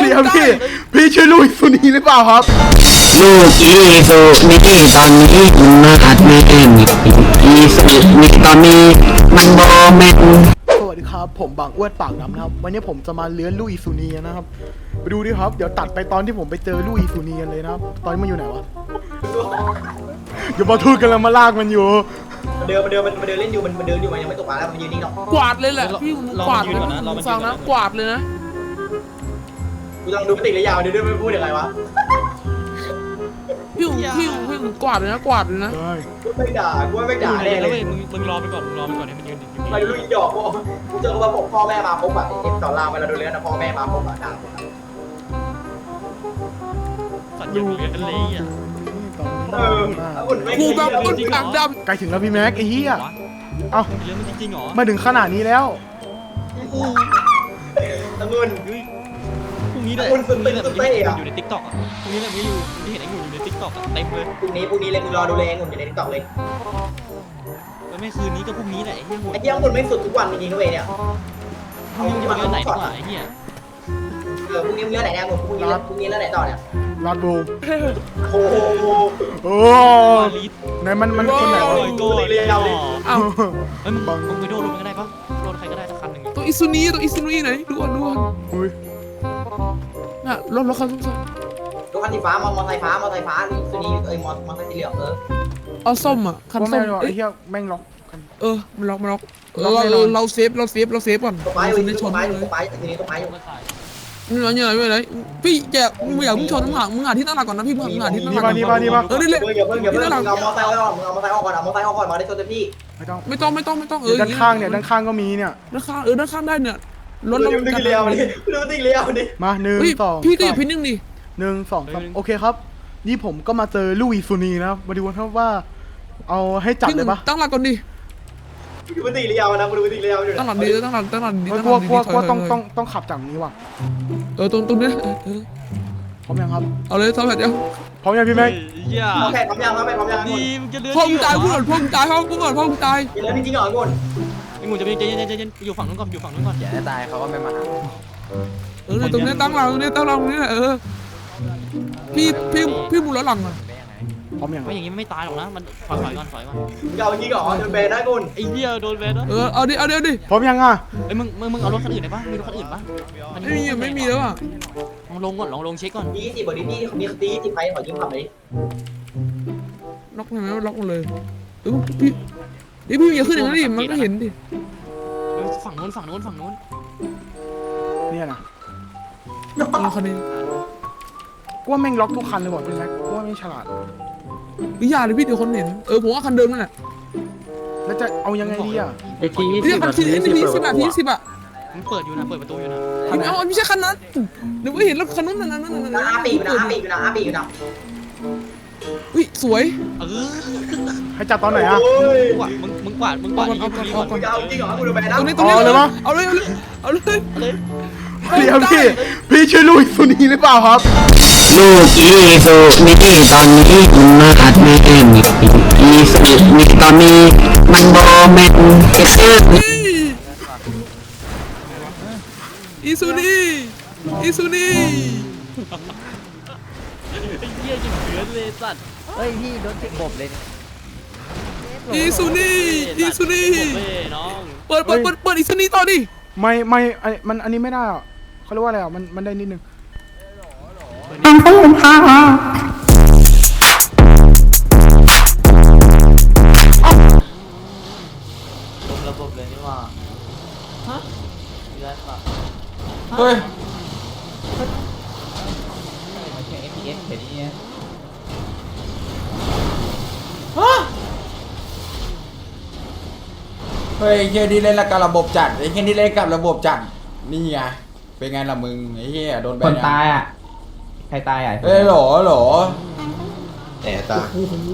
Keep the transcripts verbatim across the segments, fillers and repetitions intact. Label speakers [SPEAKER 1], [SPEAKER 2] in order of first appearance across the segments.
[SPEAKER 1] ดีครับพี่พี่ชื่อลุยสุนีหรือเปล่าครับ
[SPEAKER 2] ลูกอีสุนี่ตอนนี้มันมาอัดแม่นอีสุนี่ตอนนี้มันโบแม่น
[SPEAKER 1] สวัสดีครับผมบางอ้วนปากน้ำนะครับวันนี้ผมจะมาเลื้อนลุยสุนีนะครับไปดูดิครับเดี๋ยวตัดไปตอนที่ผมไปเจอลุยสุนีกันเลยนะครับตอนนี้มันอยู่ไหนวะอย่ามาทูดกันแล้วมาลากมันอยู่
[SPEAKER 3] มันเดินมันเดินมันเดินเล่นอยู่มันมันเดินอยู่มันยังไม่ตกปลาแล้วมันยืนนิ่งหรอก
[SPEAKER 4] กวาดเลยแหละพี่กวาดเลยนะฟังนะกวาดเลยนะ
[SPEAKER 3] กูต้องดูปฏิกิริยาเดี๋ยวด้วยไม่พูดยังไงวะ
[SPEAKER 4] พี่พี่พี่กวาดเลยนะกวาดเลยนะ
[SPEAKER 3] ไม่ด่ากูไม่ด่าแน่เลย
[SPEAKER 5] มึงมึงรอไปก่อนมึงรอไปก่อนให้มันยืนอยู่
[SPEAKER 3] ไปลุยหยอกกูเจอว่าผมพ่อแม่มาพบอ่ะเอ็มสอนรามเวลาดูเรื่องนะพ่อแม่มาพบอ่ะด่าผม
[SPEAKER 5] สัตว์ยังเลี้ยงเลยอ่ะ
[SPEAKER 3] เอออุ่นไม่
[SPEAKER 4] กูแบบอุ่นปากด
[SPEAKER 1] ำใกล้ถึงแล้วพี่แม็กไอ้เหี้ยเอ้า
[SPEAKER 5] เลี้ยงมันจริงๆหรอ
[SPEAKER 1] มาถึงขนาดนี้แล้ว
[SPEAKER 3] ตะงุน
[SPEAKER 5] พรุ่งนี้แหละพรุ่งนี้แหละมันอยู่ในติ๊กต็อกอ่ะพรุ่งนี้แหละมึงอยู่ที่เห็นไอ้งูอยู่ในติ๊กต็อกอ่ะเต็มเลย
[SPEAKER 3] พรุ่งนี้พรุ่งนี้เลยมึงรอดูเลยงุนอยู่ในติ๊กต็อกเลย
[SPEAKER 5] แล้วไม่คืนนี้ก็พรุ่งนี้แหละไอ้เหี้ย
[SPEAKER 3] ไอ้เหี้ยงุนไม่สุดทุกวันจริงๆด้วยเนี่ย
[SPEAKER 5] เอามึงจะมาเรื่องไหนดีกว่าไอ้เหี้ย
[SPEAKER 3] เออพรุ่งนี้เรื่องไหนเนี่ยพรุ่งนี้พรุ่งนี้เรื่องไหนต่อเนี่ย
[SPEAKER 1] ลอดบู
[SPEAKER 3] โอ้โห
[SPEAKER 1] โอ้ไหนมันมันคนไหนวะ
[SPEAKER 3] กูเรียาวดิ
[SPEAKER 4] อ้าว
[SPEAKER 5] เฮ้ยมึงมึงไปโดนรถมันก็ได้ปะโดนใครก็ได้สักคันหนึ่ง
[SPEAKER 4] ตัวอิซุนีตัวอิซุนีไหนดูอ่ะดูอ่ะ
[SPEAKER 1] อุ้ย
[SPEAKER 4] น่ะรถรถคันส้ม
[SPEAKER 3] รถคันสีฟ้ามอเตอร์ไซค์ฟ้ามอเตอร์ไซค์ฟ้าสุนีเอ้ยมอมอเตอร์ไซค์สีเหลืองเออ
[SPEAKER 4] เอาส้มอ่ะคันส้ม
[SPEAKER 1] ไอ้เหี้ยแม่งล็อก
[SPEAKER 4] เออมันล็อกมันล็อกเราเราเซฟเราเซฟเราเซฟก่อน
[SPEAKER 3] ตกปลาอยู่ตกปลาอยู่ตกปลาอยู่ทีนี้ตกปลาอยู่
[SPEAKER 4] นี่อะไรนี่อะไรพี่แกมึงอยากมึงชนมึงหามึงหาที่ตั้งหลักก่อนนะพี่มึงหาที่ตั้งหลัก
[SPEAKER 1] นี่มานี่มานี่มา
[SPEAKER 4] เออนี่เลย
[SPEAKER 3] อย่าเพิ่งอย่าเพิ่งเอามอเตอร์ไซค์ออกมึงเอามอเตอร์ไซค์ออกก่อนเอามอเตอร์ไซค์ออกก่อนมาได้ชนเต็มที่
[SPEAKER 1] ไม่ต้อง
[SPEAKER 4] ไม่ต้องไม่ต้องไม่ต้องเออ
[SPEAKER 1] ด้านข้างเนี่ยด้านข้างก็มีเนี่ย
[SPEAKER 4] ด้านข้างเออด้านข้างได้เนี่ย
[SPEAKER 3] รถเราดึงเลี้ยวดิดูดึงเลี้ยวดิ
[SPEAKER 1] มาหนึ่งสอง
[SPEAKER 4] พี่ก็อย่าพิ้นนึงดิ
[SPEAKER 1] หนึ่งสองสามโอเคครับนี่ผมก็มาเจอลุยสุนีนะมาดูครับว่าเอาให้จับเลยปะ
[SPEAKER 4] ตั้งหลักก่อนดิ
[SPEAKER 3] ดูปฏิกิริยานะดูปฏิกิริยาอยู่
[SPEAKER 4] ตั้งหลักดีตั้งหลักตั้งหลักดี
[SPEAKER 1] ตั้งหลักดีกลัวกลัวต้องต้องต้องขับจากนี้ว่ะ
[SPEAKER 4] เออตรงตรงนี้
[SPEAKER 1] พร้อมยังครับ
[SPEAKER 4] เอาเลยสองแผ่นเดียว
[SPEAKER 1] พร้อมยังพี่แม็ก
[SPEAKER 3] พร้อมแผ่นพร้อมยังพร้อมแผ่นพร้อมยัง
[SPEAKER 5] ดีมึงจะเลื่อน
[SPEAKER 4] พ่อมึงตายพูดก่อนพ่อมึงตายพ่อมึงก่อนพ่อมึงตาย
[SPEAKER 3] เลื่อนจริงๆเหรองุน
[SPEAKER 5] ไอ้งูจะไปเย็นเย็นเย็นอยู่ฝั่งนู้นก่อนอยู่ฝั่งนู้นก่อน
[SPEAKER 2] อย่าได้ตายเขาก็ไม่มา
[SPEAKER 4] เออตรงนี้ตั้งหลักตรงนี้ตั้งหลักตรงนี้เออพี่พี่พี่มูลหลังอ่ะ
[SPEAKER 1] พร้อมยัง
[SPEAKER 5] ไม่อย่างงี้ไม่ตายหรอกนะมันถอยถอยก่อนถอยก่อน
[SPEAKER 3] เก่าจริงเหรอโดนแบนได้กุน
[SPEAKER 5] ไอ้เหี้ยโดนแบนนะ
[SPEAKER 4] เออเอาดิเอาดิเอาดิ
[SPEAKER 1] พร้อมยังอ่ะ
[SPEAKER 5] ไอ้มึงมึงมึงเอารถคันอื่นได้ปะมีรถคันอื่นปะ
[SPEAKER 4] ไม่มีไม่มีแล้วอ่ะ
[SPEAKER 5] ลองลงก่อนลองลงเช็คก่อน
[SPEAKER 3] ยี่สิบบอดี้นี่มีตีสิบไปขอยืมขับเลย
[SPEAKER 4] ล็อกใช่ไหมล็อกหมดเลยเออพี่นี่พี่อย่าขึ้นอย่างนั้นดิมันก็เห็นดิ
[SPEAKER 5] ฝั่งโน้นฝั่งโน้นฝั่งโน้น
[SPEAKER 1] เนี่ยนะ
[SPEAKER 4] เอาคันนี้
[SPEAKER 1] กูว่าแม่งล็อกทุกคันเลยบอกพี่แม็กกูว่าไม่ฉลาด
[SPEAKER 4] วิญญาณเลยพี่เดี๋ยวคนเห็นเออผมว่าคันเดิมนั่นแหละ
[SPEAKER 1] แล้วจะเอายังไงดีอ่ะ
[SPEAKER 2] ไอ้ที
[SPEAKER 4] นี่คันที่นี่สิบนาทีสิบอ่ะ
[SPEAKER 5] มันเปิดอยู่นะเปิดประตูอยู่นะ
[SPEAKER 4] ไม่เอาไม่ใช่คันนั้นเดี๋ยวไม่เห็นรถคันนั้นนั่นนั่นนั่นนั่น
[SPEAKER 3] อาปีอยู่นะอาปีอยู่นะอาปีอยู่นะ
[SPEAKER 4] อุ้ยสวย
[SPEAKER 5] เออ
[SPEAKER 1] ให้จับตอนไหนอ่ะ
[SPEAKER 5] มึงมึงกวาดมึงกวาดมึงกวาด
[SPEAKER 3] เอาก่อนเอาจริงเหรอกูโดนแบนแล้ว
[SPEAKER 4] ตรงนี้ตรงนี้เลยเอาเลยเอาเลยเอาเลย
[SPEAKER 1] เดี๋ยวพี่พี่ชื่อลุยสุนีหรือเปล่าครับ
[SPEAKER 2] ลูกอีสุนี่ตอนนี้มันมาอัดแม่นอีสุนี่ตอนนี้มันโบแม่นเก็บซื้อ
[SPEAKER 4] อีซูนี่อีซูนี่
[SPEAKER 5] ไอ้เหี้ยจะเดือดเลยสัตว์
[SPEAKER 2] เฮ้ยพี่โดนติดบบเลย
[SPEAKER 4] อีซูนี่อีซูนี่
[SPEAKER 5] น้อง
[SPEAKER 4] เปิดเปิดเปิดเปิดอีซูนี่ต่อดิ
[SPEAKER 1] ไม่ไม่ไอมันอันนี้ไม่ได้อ่ะเขาเรียกว่าอะไรอ่ะมันมันได้นิดนึง
[SPEAKER 2] อันต้องเป็นข้าว
[SPEAKER 3] ระบบเลยนี่ว่าฮะ
[SPEAKER 1] เฮ้ย
[SPEAKER 3] มันแค่ เอฟ พี เอส แค่นี้ฮะ
[SPEAKER 6] เฮ้ยเฮียนี่เล่นกับระบบจัดไอ้เฮียนี่เล่นกับระบบจัดนี่ไงเป็นไงล่ะมึงไอ้เฮียโดนแบน
[SPEAKER 2] คนตายอ่ะใครตายอ่ะ
[SPEAKER 6] เอ้ยหรอหรอ
[SPEAKER 3] แต่ตา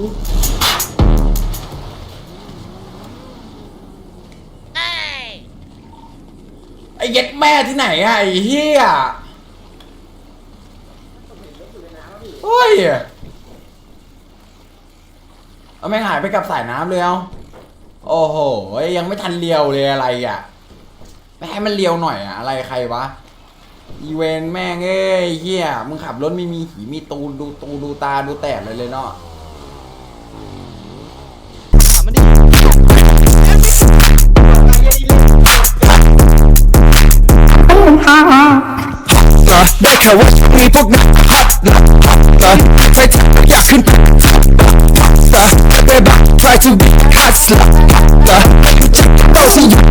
[SPEAKER 6] ไอ้เย็ดแม่ที่ไหนอะไอ้เฮียเฮ้ยเอาแม่งหายไปกับสายน้ำเลยเอาโอ้โหยังไม่ทันเลียวเลยอะไรอ่ะไม่ให้มันเลียวหน่อยอะอะไรใครวะอีเวนต์แม่งเอ้ยเฮียมึงขับรถไม่มีหีมีตูนดูตูดูตาดูแตกเลยเลยเนาะ
[SPEAKER 5] ถามมันดิ
[SPEAKER 2] ได้ข่าวว่ามีพวกนักฮัตนะไฟจับอยากขึ้นเบบ้า try to be hustler ต้องสิอยู่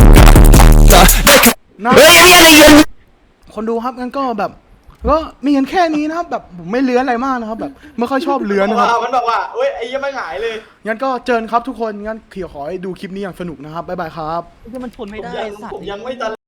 [SPEAKER 2] เฮ้ยอะไรกัน
[SPEAKER 1] คนดูครับงั้นก็แบบก็มีกันแค่นี้นะครับแบบผมไม่เลื้อนอะไรมากนะครับแบบไม่ค่อยชอบเลื้อนนะครับ
[SPEAKER 3] มันบอกว่าเอ้ยไอ้ยังไม่หายเลย
[SPEAKER 1] งั้นก็เจอกันครับทุกคนงั้นเขียวขอให้ดูคลิปนี้อย่างสนุกนะครับบ๊ายบายครับ
[SPEAKER 5] ที่มันชนไม่
[SPEAKER 3] ผม
[SPEAKER 5] ได้
[SPEAKER 3] ยัง
[SPEAKER 5] สัต
[SPEAKER 3] ผ
[SPEAKER 5] ว์
[SPEAKER 3] มยังไม่ตัน